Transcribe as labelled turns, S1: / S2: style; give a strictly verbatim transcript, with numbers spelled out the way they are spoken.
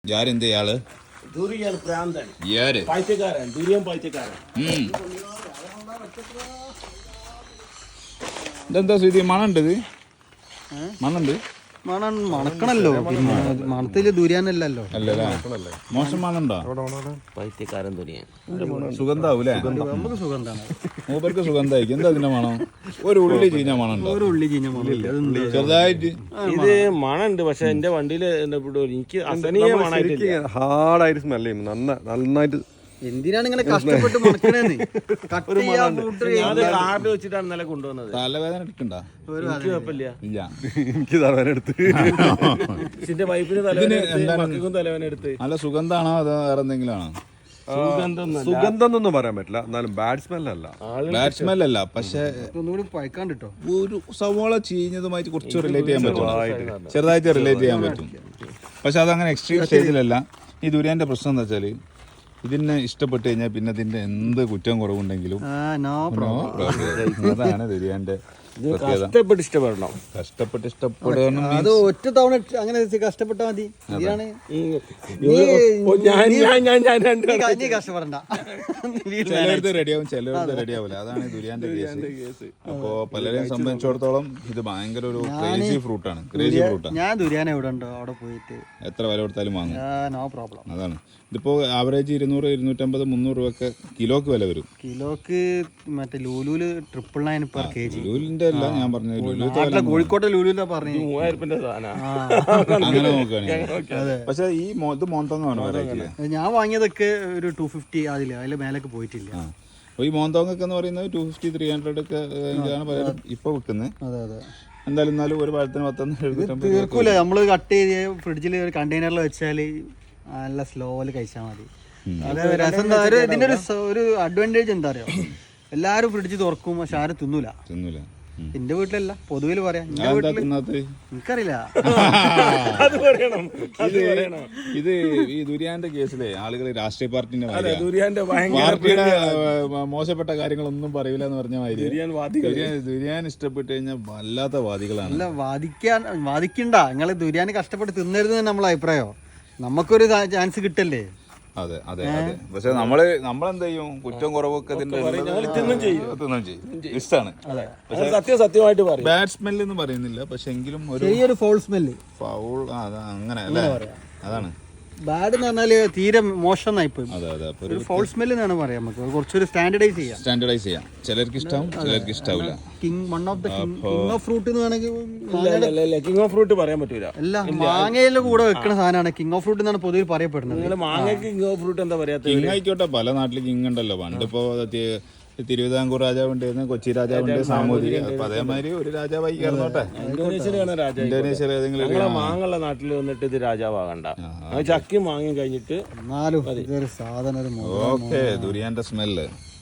S1: ಯಾರಿಂದ ಯಾಳು
S2: ദുരിയൻ പ്രാന്തൻ
S1: ಯಾರು
S2: പൈസക്കാരൻ ദുരിയൻ പൈസക്കാരൻ
S1: ಹ್ಮ್ ഇതെന്താ സ്ഥിതി മണുണ്ട് ഇത് മണുണ്ട്
S3: മണം മണക്കണല്ലോ പിന്നെ മണത്തില് ദുരിയാനല്ലല്ലോ
S1: അല്ലല്ലേ മോശം മണുണ്ടോ
S2: പൈസക്കാരൻ ദുരിയൻ
S1: സുഗന്ധാവൂലേ
S3: നമുക്ക് സുഗന്ധാണ്
S1: മൂപ്പർക്ക് സുഗന്ധായിരിക്കും എന്താ അതിന്റെ മണം ഒരു ഉള്ളി ചീഞ്ഞ മണുണ്ടോ
S3: ഒരു ഉള്ളി ചീഞ്ഞ മണം
S1: ചെറുതായിട്ട്
S2: ഇത് മണുണ്ട് പക്ഷെ എന്റെ വണ്ടിയില് എനിക്ക് അസനീയ മണായിട്ടില്ല
S4: ഹാർഡായിട്ട് സ്മെല് ചെയ്യും നന്ന നന്നായിട്ട്.
S3: എന്തിനാണ് ഇങ്ങനെ കഷ്ടപ്പെട്ട് മണക്കണേന്ന് കട്ട് ചെയ്യാൻ കൂട്ടർ
S2: അത് കാർഡ് വെച്ചിട്ടാണ് ഇന്നലെ കൊണ്ടുവന്നത്.
S1: തലവേദന എടുക്കണ്ട
S2: എനിക്ക് കുഴപ്പമില്ല.
S1: ഇല്ല
S4: എനിക്ക് തലവേന എടുത്ത്
S2: ഇതിന്റെ വൈഫിന് തലവേന എടുത്ത് മക്കൾക്കും തലവേന എടുത്ത്.
S1: നല്ല സുഗന്ധാണോ അതോ വേറെ എന്തെങ്കിലും ആണോ?
S4: സുഗന്ധം എന്നൊന്നും പറയാൻ പറ്റില്ല, എന്നാലും ബാഡ് സ്മെല്ലല്ല.
S1: ബാഡ് സ്മെൽ അല്ല, പക്ഷെ
S3: ഒന്നുകൂടി പഴക്കാണ്ട് കേട്ടോ.
S1: ഒരു സവോള ചീഞ്ഞതുമായിട്ട് കുറച്ച് റിലേറ്റ് ചെയ്യാൻ പറ്റും, ചെറുതായിട്ട് റിലേറ്റ് ചെയ്യാൻ പറ്റും. പക്ഷെ അതങ്ങനെ എക്സ്ട്രീം സ്റ്റേജിലല്ല. ഈ ദുരിയാന്റെ പ്രശ്നം എന്താ വെച്ചാല് ഇതിനെ ഇഷ്ടപ്പെട്ട് കഴിഞ്ഞാൽ പിന്നെ അതിന്റെ എന്ത് കുറ്റം കുറവുണ്ടെങ്കിലും
S3: നോ
S1: പ്രോബ്ലം. അതാണ് ദുരിയാന്റെ
S2: കഷ്ടപ്പെട്ട് ഇഷ്ടപ്പെടണം.
S1: കഷ്ടപ്പെട്ട് ഇഷ്ടപ്പെടണം.
S3: അത് ഒറ്റ തവണ അങ്ങനെ കഷ്ടപ്പെട്ടാ മതി. ഇതിലാണ് നീ കഷ്ടപ്പെടണ്ട.
S1: ചിലരുടെ റെഡിയാവും, ചിലരുടെ റെഡിയാവില്ല. അതാണ് ദുരിയാന്റെ കേസ്. അപ്പോ പലരെയും സംബന്ധിച്ചിടത്തോളം ഇത് ഭയങ്കര ഒരു ക്രേസി ഫ്രൂട്ടാണ്. ക്രേസി ഫ്രൂട്ടാണ്.
S3: ഞാൻ ദുരിയാൻ എവിടെ ഉണ്ടോ അവിടെ പോയിട്ട്
S1: എത്ര വില കൊടുത്താലും വാങ്ങും.
S3: No problem.
S1: അതാണ് ഇതിപ്പോ ആവറേജ് ഇരുന്നൂറ് ഇരുന്നൂറ്റമ്പത് മുന്നൂറ് രൂപയൊക്കെ കിലോക്ക് വില വരും.
S3: കിലോക്ക് മറ്റേ ലൂലൂല് triple nine per K G.
S1: ലുലുവിന്റെ അല്ല ഞാൻ പറഞ്ഞത്,
S3: കോഴിക്കോട്ടെ ലുലുവിലാ പറഞ്ഞു.
S2: മൂവായിരം രൂപന്റെ സാധനം
S1: അങ്ങനെ നോക്കുകയാണെങ്കിൽ. പക്ഷെ ഈ മോ- ഇത് മോന്തോങ്ങാണ് വെറൈറ്റി.
S3: ഞാൻ വാങ്ങിയതൊക്കെ ഒരു ടു ഫിഫ്റ്റി അതില് അതില് മേലേക്ക് പോയിട്ടില്ല.
S1: അപ്പൊ ഈ മോന്തോങ്ങൊക്കെ എന്ന് പറയുന്നത് ടു ഫിഫ്റ്റി ത്രീ ഹൺഡ്രഡ് ഒക്കെ ഇതാണ് പലരും ഇപ്പൊ വിൽക്കുന്നത്.
S3: അതെ അതെ.
S1: എന്തായാലും എന്നാലും ഒരു പഴത്തിന് പത്തൊന്ന് എഴുന്നൂറ്റമ്പത്
S3: തീർക്കൂല. നമ്മള് കട്ട് ചെയ്ത് ഫ്രിഡ്ജിൽ ഒരു കണ്ടെയ്നറിൽ വെച്ചാല് നല്ല സ്ലോയില് കഴിച്ചാൽ മതി. അത് രസം എന്താ, ഒരു ഇതിന്റെ ഒരു സ- ഒരു അഡ്വാൻറ്റേജ് എന്താ അറിയോ, എല്ലാരും ഫ്രിഡ്ജ് തുറക്കും പക്ഷെ ആരും തിന്നൂല.
S1: തിന്നൂല.
S3: എന്റെ വീട്ടിലല്ല, പൊതുവിൽ പറയാം. എന്റെ
S1: അതെന്താ
S3: വീട്ടില്
S1: തിന്നാത്തത്?
S3: എനിക്കറിയില്ല.
S2: അത് പറയണം.
S1: ഇത് ഇത് ഈ ദുരിയാന്റെ കേസിലെ ആളുകൾ രാഷ്ട്രീയ പാർട്ടിന്റെ മാതിരിയാ.
S2: ദുരിയാന്റെ ഭയങ്കര
S1: പാർട്ടിയുടെ ഏഹ്, മോശപ്പെട്ട കാര്യങ്ങളൊന്നും പറയൂല എന്ന് പറഞ്ഞ മാതിരി
S2: ദുരിയാൻ വാദികൾ.
S1: ദുരിയാൻ- ദുരിയാൻ ഇഷ്ടപ്പെട്ട് കഴിഞ്ഞാൽ വല്ലാത്ത വാദികളാണ്.
S3: അല്ല, വാദിക്കാൻ വാദിക്കണ്ട. നിങ്ങള് ദുരിയാന് കഷ്ടപ്പെട്ട് തിന്നരുത് നമ്മളെ അഭിപ്രായോ. നമുക്കൊരു ചാൻസ് കിട്ടല്ലേ.
S1: അതെ അതെ അതെ. പക്ഷെ നമ്മള് നമ്മളെന്ത് ചെയ്യും, കുറ്റം കുറവൊക്കെ ഇതിന്റെ തിന്നും ചെയ്യും. ഇഷ്ടമാണ്.
S2: സത്യം സത്യമായിട്ട് പറയും.
S1: ബാഡ് സ്മെൽ എന്ന് പറയുന്നില്ല, പക്ഷെ എങ്കിലും ഒരു
S3: ചെറിയൊരു ഫോൾ സ്മെല്ല്.
S1: ഫൗൾ അങ്ങനെ അല്ലേ, അതാണ്.
S3: ബാഡ് എന്ന് പറഞ്ഞാല് തീരെ മോശം ആയിപ്പോയി.
S1: അതെ അതെ. അപ്പൊ
S3: ഒരു ഫോൾ സ്മെല്ല് എന്നാണ് പറയാം. നമുക്ക് കുറച്ചൊരു സ്റ്റാൻഡർഡൈസ് ചെയ്യാം.
S1: സ്റ്റാൻഡർഡൈസ് ചെയ്യാം. ചിലർക്ക് ഇഷ്ടാവും, ചിലർക്ക് ഇഷ്ടാവില്ല.
S3: King one of the king of fruit എന്ന് വേണമെങ്കിൽ
S2: കിങ് ഓഫ് ഫ്രൂട്ട് പറയാൻ പറ്റൂല.
S3: അല്ല, മാങ്ങയിലെ കൂടെ വെക്കുന്ന സാധനമാണ് കിങ് ഓഫ് ഫ്രൂട്ട് എന്നാണ് പൊതുവെ പറയപ്പെടുന്നത്.
S2: നിങ്ങള് മാങ്ങയ്ക്ക് കിങ് ഓഫ് ഫ്രൂട്ട് എന്താ പറയാ?
S1: കിങ് ആയിക്കോട്ടെ, പല നാട്ടിൽ കിങ് ഉണ്ടല്ലോ. പണ്ടിപ്പോ തി- തിരുവിതാംകൂർ രാജാവുണ്ടായിരുന്നു, കൊച്ചി രാജാവുണ്ട്, സാമൂതിരി. അപ്പൊ അതേമാതിരി ഒരു രാജാവായി കയറന്നോട്ടെ.
S2: ഇന്തോനേഷ്യയിലാണ് രാജാവ്.
S1: ഇന്തോനേഷ്യയിൽ ഏതെങ്കിലും ഒരു-
S2: ഞങ്ങളെ മാങ്ങുള്ള നാട്ടിൽ വന്നിട്ട് ഇത് രാജാവാകണ്ട. ചക്കി മാങ്ങയും കഴിഞ്ഞിട്ട്
S3: എന്നാലും ഇതൊരു സാധനം ഒരു
S1: ഓക്കെ. ദുരിയാന്റെ സ്മെല്ല്